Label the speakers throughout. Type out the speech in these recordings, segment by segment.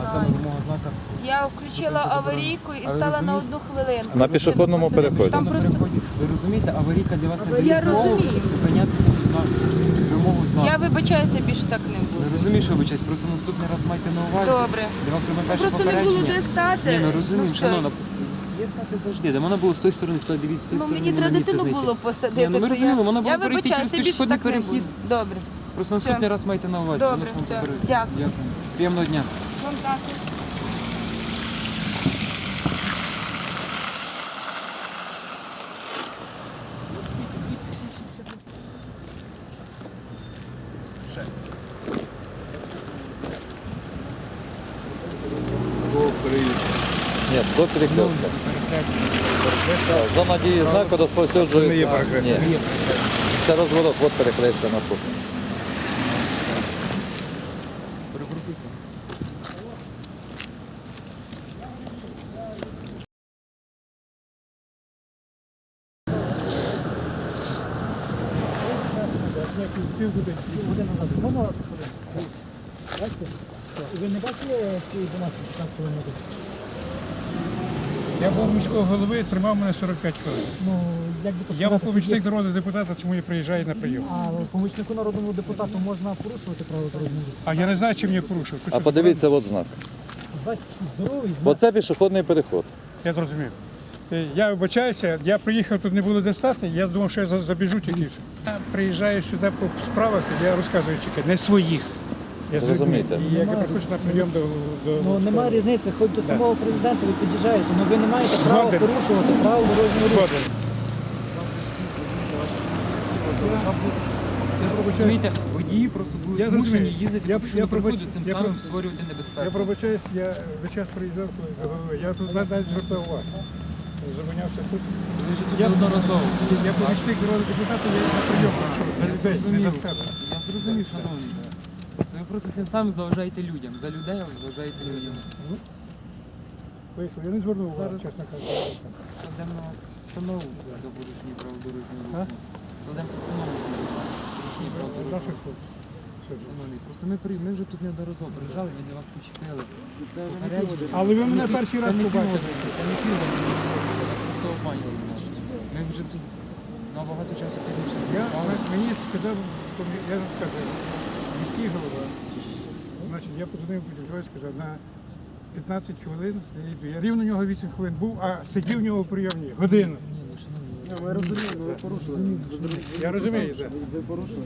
Speaker 1: саме вимога знака.
Speaker 2: Я включила аварійку і стала на 1 хвилинку.
Speaker 3: На пішохідному переході.
Speaker 2: Там просто...
Speaker 1: Ви розумієте, аварійка для вас не
Speaker 2: Я
Speaker 1: дає змогу
Speaker 2: розумію.
Speaker 1: зупинятися на вимогу знаку.
Speaker 2: Я вибачаюся, більше так не
Speaker 1: Ви
Speaker 2: буду.
Speaker 1: розумієте, що вибачаюсь, просто наступний раз майте на увазі.
Speaker 2: Добре.
Speaker 1: Для вас робимо перше
Speaker 2: Просто не було
Speaker 1: попередження.
Speaker 2: де стати.
Speaker 1: Ні, ми розуміємо,
Speaker 2: все.
Speaker 1: шановна. Є знати завжди. Де вона була з тої сторони, з тої дивіться, з тої
Speaker 2: Ну
Speaker 1: сторони.
Speaker 2: мені треба
Speaker 1: на місце
Speaker 2: дитину
Speaker 1: знайти.
Speaker 2: було
Speaker 1: Ні,
Speaker 2: посадити.
Speaker 1: ну, ми
Speaker 2: то
Speaker 1: розуміємо, вона
Speaker 2: я
Speaker 1: була перейти
Speaker 2: вибачаюся,
Speaker 1: через
Speaker 2: більше
Speaker 1: пішохідний
Speaker 2: так не
Speaker 1: перехід.
Speaker 2: буду. Добре.
Speaker 1: Просто наступний раз майте на увазі.
Speaker 2: Добре,
Speaker 1: Воно ж вам
Speaker 2: все.
Speaker 1: попередження.
Speaker 2: Дякую.
Speaker 1: Дякую. Приємного дня.
Speaker 2: Вам також.
Speaker 3: Ні, до перехрестка. Зона дії знаку розповсюджується.
Speaker 4: Це не є перехрестя.
Speaker 3: Ні. Це розворот, от перехрестя наступне.
Speaker 5: Ви не бачили ці 12-15 кілометрів?
Speaker 4: Я був міського голови, тримав мене 45 хвилин.
Speaker 5: Ну, як би то
Speaker 4: Я був
Speaker 5: сказати,
Speaker 4: помічник народного депутата, чому я приїжджаю на прийом.
Speaker 5: А помічнику народному депутату можна порушувати правила дорожнього руху?
Speaker 4: А я не знаю, чим я порушив.
Speaker 3: А подивіться, от знак.
Speaker 5: Бачите, здоровий знак.
Speaker 3: Оце пішохідний переход.
Speaker 4: Я зрозумів. Я вибачаюся, я приїхав, тут не було де стати, я думав, що я забіжу тільки все. Я приїжджаю сюди по справах, я розказую, чекай, не своїх. Я
Speaker 3: Зрозумійте.
Speaker 4: І я приходжу на прийом до
Speaker 5: Ну немає різниці, хоч до самого президента ви під'їжджаєте, але ви не маєте права
Speaker 4: Згоден.
Speaker 5: порушувати правила дорожнього руху.
Speaker 4: Згоден.
Speaker 1: Розумієте, водії просто були
Speaker 4: Я
Speaker 1: змушені
Speaker 4: розумію.
Speaker 1: їздити
Speaker 4: Я-
Speaker 1: по
Speaker 4: я
Speaker 1: пішохідному переходу,
Speaker 4: пробач-
Speaker 1: цим
Speaker 4: я
Speaker 1: самим
Speaker 4: про-
Speaker 1: створювати
Speaker 4: Я
Speaker 1: небезпеку.
Speaker 4: пробачаюсь, я весь час приїжджав до голови. Я тут навіть звертав увагу. Зупинявся тут.
Speaker 1: Ви ж тут
Speaker 4: Я-
Speaker 1: неодноразово.
Speaker 4: Я помічник народного депутата, я на прийом прийшов. За
Speaker 1: Я
Speaker 4: людей, не
Speaker 1: зрозумів.
Speaker 4: за себе.
Speaker 1: Я зрозумів, шановний. Ви просто цим самим заважаєте людям. За людей ви заважаєте людям.
Speaker 4: Вийшов, я не звернув увагу,
Speaker 1: Зараз
Speaker 4: чесно кажучи.
Speaker 1: складемо на вас постанову за порушення правил дорожнього
Speaker 4: А?
Speaker 1: руху. Складемо постанову за порушення правил дорожнього
Speaker 4: Наших
Speaker 1: руху.
Speaker 4: хлопців.
Speaker 1: Шановний, просто ми вже тут неодноразово приїжджали, ми для вас почепили. Попередження.
Speaker 4: Але ви мене
Speaker 1: Це не
Speaker 4: перший
Speaker 1: це
Speaker 4: раз
Speaker 1: не
Speaker 4: побачили.
Speaker 1: півгодини, Це не півгодини. Просто обманювали нас. Ми вже тут набагато часу пізніше.
Speaker 4: Мені сказав, я вам сказав, міський голова. Значить, я подзвонив Будівльові, сказав, на 15 хвилин я йду. Я рівно у нього 8 хвилин був, а сидів у нього в прийомні годину.
Speaker 5: Ми розуміємо, ви порушили.
Speaker 4: Я розумію, так.
Speaker 5: Ви порушили.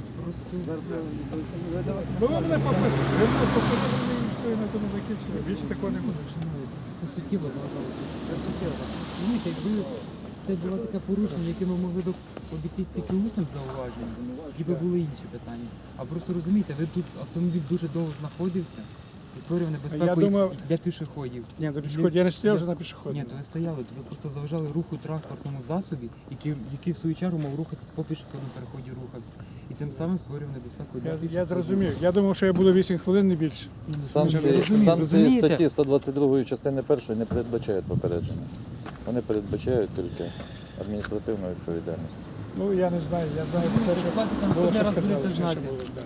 Speaker 4: Ну ви мене попросили, ви мене попросили, і все, і на тому закінчили. Більше такого не буде.
Speaker 1: Це суттєво заважало. Це суттєво. Розумієте, якби це було таке порушення, яке ми могли б обійти тільки усним зауваженням, тоді б були інші питання. А просто розумієте, ви тут автомобіль дуже довго знаходився і створював небезпеку
Speaker 4: Я думав-
Speaker 1: і для пішоходів.
Speaker 4: Ні, до пішоходів. Я не стояв вже на пішоході.
Speaker 1: Ні, то ви стояли, то ви просто заважали руху транспортному засобі, який в свою чергу мав рухатись по пішохідному переході рухався. І цим самим створював небезпеку для
Speaker 4: Я
Speaker 1: пішоходів.
Speaker 4: зрозумів. Я думав, що я буду 8 хвилин, не більше.
Speaker 3: Санкції
Speaker 1: розумієте?
Speaker 3: статті 122 частини 1 не передбачають попередження. Вони передбачають тільки адміністративну відповідальність.
Speaker 4: Ну, я не знаю, я знаю, по-перше,
Speaker 1: Платите, там
Speaker 4: було,
Speaker 1: наступний
Speaker 4: що
Speaker 1: раз
Speaker 4: сказали,
Speaker 1: будете
Speaker 4: все, що
Speaker 1: знати.
Speaker 4: було, да.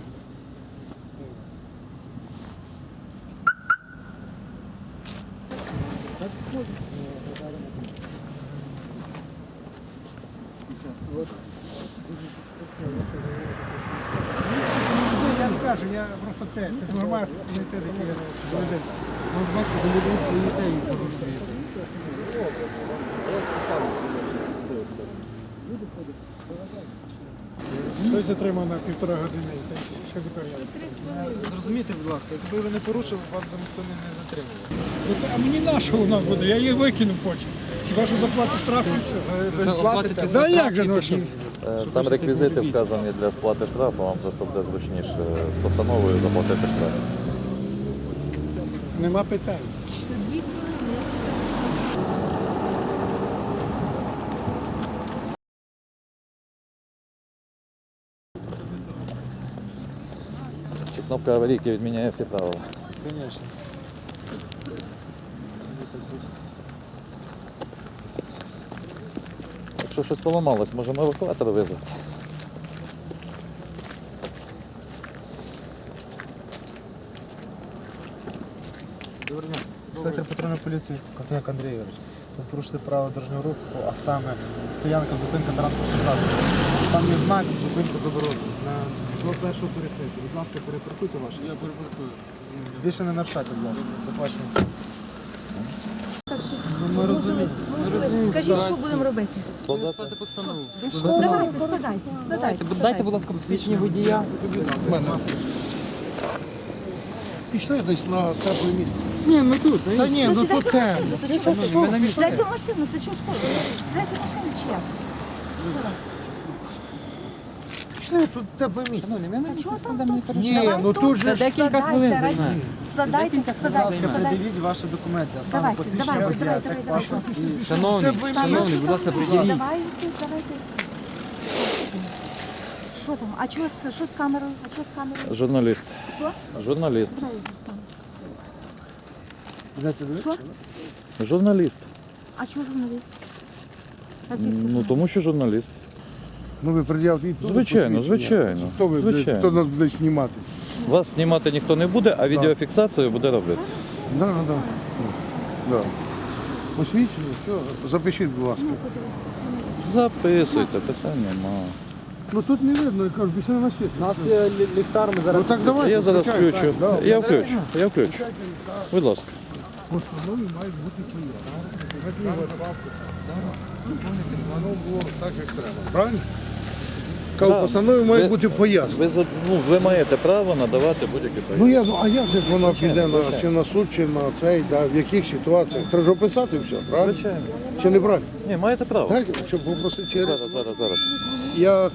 Speaker 4: Я не кажу, я просто це ж нормально комітет, який я до людей.
Speaker 1: Ви ж бачите, до людей стоїте і порушуєте.
Speaker 4: Хтось затримав на 1,5 години, та що тепер я?
Speaker 6: Зрозумійте, будь ласка, якби ви не порушили, вас би ніхто не затримував.
Speaker 4: Ну, а мені на що воно буде? Я її викину потім. Хіба що заплату штраф і все.
Speaker 6: Ви сплатите?
Speaker 4: Да як же, ну що?
Speaker 3: Там реквізити вказані для сплати штрафу, вам просто буде зручніше з постановою заплатити штраф.
Speaker 4: Нема питань.
Speaker 3: Чи кнопка аварійки відміняє всі правила?
Speaker 4: Звісно.
Speaker 3: Якщо щось поламалось, можемо евакуатор визвати.
Speaker 6: Доброго дня. Інспектор патрульної поліції Ковтоняк Андрій Ігорович. Ви порушили правила дорожнього руху, а саме стоянка, зупинка транспортних засобів. Там є знак зупинка заборонена. До першого перехрестя. Будь ласка, перепаркуйте ваше. Я перепаркую. Більше не нарушайте, будь ласка. До побачення.
Speaker 1: Ми розуміємо.
Speaker 7: Кажіть, що будемо робити?
Speaker 1: Складати постанову.
Speaker 7: Давайте, складайте.
Speaker 1: Дайте, будь ласка, посвідчення водія.
Speaker 8: Пішли десь на тепле місце.
Speaker 1: Ні, ми тут.
Speaker 8: Та ні, ну тут темно.
Speaker 7: Сідайте в машину, то чого шкода? Сідайте в машину чи як?
Speaker 8: Пішли, тут тепле місце.
Speaker 7: А чого там?
Speaker 8: Ні, ну тут
Speaker 1: Це
Speaker 8: же
Speaker 1: декілька хвилин займе.
Speaker 7: Складайте,
Speaker 6: Будь ласка,
Speaker 7: складайте.
Speaker 6: придивіть ваші документи, а саме
Speaker 7: Давайте,
Speaker 6: посвідчення
Speaker 7: давайте,
Speaker 6: водія,
Speaker 7: давайте,
Speaker 6: так
Speaker 7: давайте.
Speaker 6: паспорт і...
Speaker 1: Шановний, будь ласка, приділіть.
Speaker 7: Давайте всі. Що там? А що з камерою? А що з камерою?
Speaker 3: Журналіст.
Speaker 7: Хто?
Speaker 3: Журналіст.
Speaker 7: Що?
Speaker 3: Журналіст.
Speaker 7: А чого журналіст? А звідки
Speaker 3: Ну
Speaker 7: журналіст?
Speaker 3: тому що журналіст.
Speaker 8: Ну ви пред'явте і тут
Speaker 3: Звичайно,
Speaker 8: посвідчення.
Speaker 3: звичайно.
Speaker 8: Хто ви,
Speaker 3: Звичайно.
Speaker 8: хто нас буде знімати?
Speaker 3: Вас знімати ніхто не буде, а відеофіксацію буде робити.
Speaker 8: Да. Посвідчення, все, запишіть, будь ласка.
Speaker 3: Записуйте, питань нема.
Speaker 8: Ну тут не видно, я кажу, пішли на світ.
Speaker 6: У нас є ліхтар, ми зараз...
Speaker 8: Ну так давайте.
Speaker 3: Я зараз
Speaker 8: включай,
Speaker 3: включу.
Speaker 8: так, да.
Speaker 3: Я включу. Будь ласка.
Speaker 8: Постанови мають бути пояснення. Воно було так, як треба. Правильно? Кажу,
Speaker 3: Да.
Speaker 8: постанови мають
Speaker 3: Ви-
Speaker 8: бути пояснення.
Speaker 3: Ви маєте право надавати будь-які
Speaker 8: Ну
Speaker 3: пояснення.
Speaker 8: а як же ж вона піде на, чи на суд, чи на цей, да, в яких ситуаціях? Треба ж описати все, правильно?
Speaker 3: Звичайно.
Speaker 8: Чи не правильно?
Speaker 3: Ні, маєте право.
Speaker 8: Так, щоб попросити через.
Speaker 3: Зараз.
Speaker 8: Я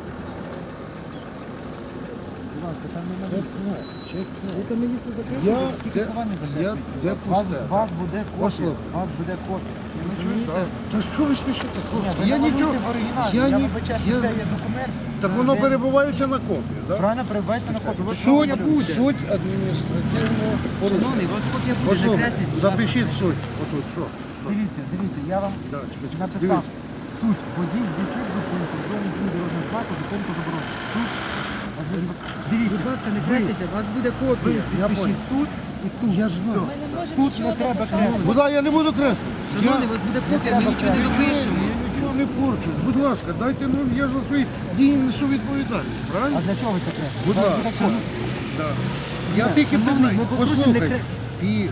Speaker 8: Я де пусте.
Speaker 6: Вас буде копія.
Speaker 8: Послухай.
Speaker 6: Вас буде копія.
Speaker 8: Та що ви спішите, хлопці?
Speaker 6: Ви
Speaker 8: Я
Speaker 6: намалюйте
Speaker 8: нічого.
Speaker 6: в оригіналі.
Speaker 8: я
Speaker 6: Я
Speaker 8: ні-
Speaker 6: вибачаю,
Speaker 8: я-
Speaker 6: що це є документ.
Speaker 8: Так воно
Speaker 6: Він
Speaker 8: перебувається на копії, так?
Speaker 6: Правильно перебувається на копію. Ви що
Speaker 8: Суть,
Speaker 6: малюєте?
Speaker 8: суть адміністративного порушення.
Speaker 1: Шановний, вас копія буде
Speaker 8: Послухай,
Speaker 1: накресліть, будь ласка.
Speaker 8: запишіть суть. Отут, що?
Speaker 6: Дивіться, я вам
Speaker 8: Да, чекай,
Speaker 6: написав. Суть. Водій здійснив зупинку в зоні дії дорожнього знаку, зупинку заборонено. Суть. Дивіться.
Speaker 1: Будь ласка, не кресіть, у вас буде копія.
Speaker 8: Я
Speaker 6: Підпишіть тут і тут.
Speaker 8: Я ж знаю.
Speaker 6: Тут не треба креслити.
Speaker 8: Будь ласка, я не буду креслити.
Speaker 1: Шановний, у вас буде копія, ми нічого не допишемо.
Speaker 8: Я нічого не порчу. Будь ласка, дайте, ну я ж за свої дії несу відповідальність,
Speaker 6: А
Speaker 8: правильно?
Speaker 6: для чого ви це креслите?
Speaker 8: Будь
Speaker 6: У вас буде
Speaker 8: ласка.
Speaker 6: копія.
Speaker 8: Да. Я тільки
Speaker 1: шановний,
Speaker 8: питаю,
Speaker 1: ми попросимо не
Speaker 8: послухайте, під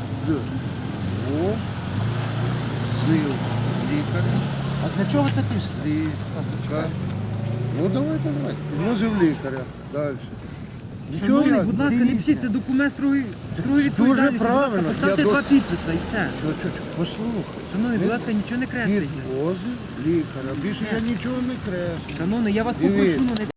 Speaker 8: зил лікаря,
Speaker 6: А для чого ви це пишете?
Speaker 8: лікар. Ну давайте. Вносив лікаря. Далі.
Speaker 1: Шановний, будь ласка, не пишіть, це документ строгої відповідальності. Будь ласка,
Speaker 8: правильно.
Speaker 1: поставте
Speaker 8: Я
Speaker 1: два підписи і все.
Speaker 8: Послухай.
Speaker 1: Шановний, будь ласка, нічого не кресліть.
Speaker 8: Підвозив лікаря. Більше я нічого не креслю.
Speaker 1: Шановний, я вас
Speaker 8: Дивіться.
Speaker 1: попрошу, ну не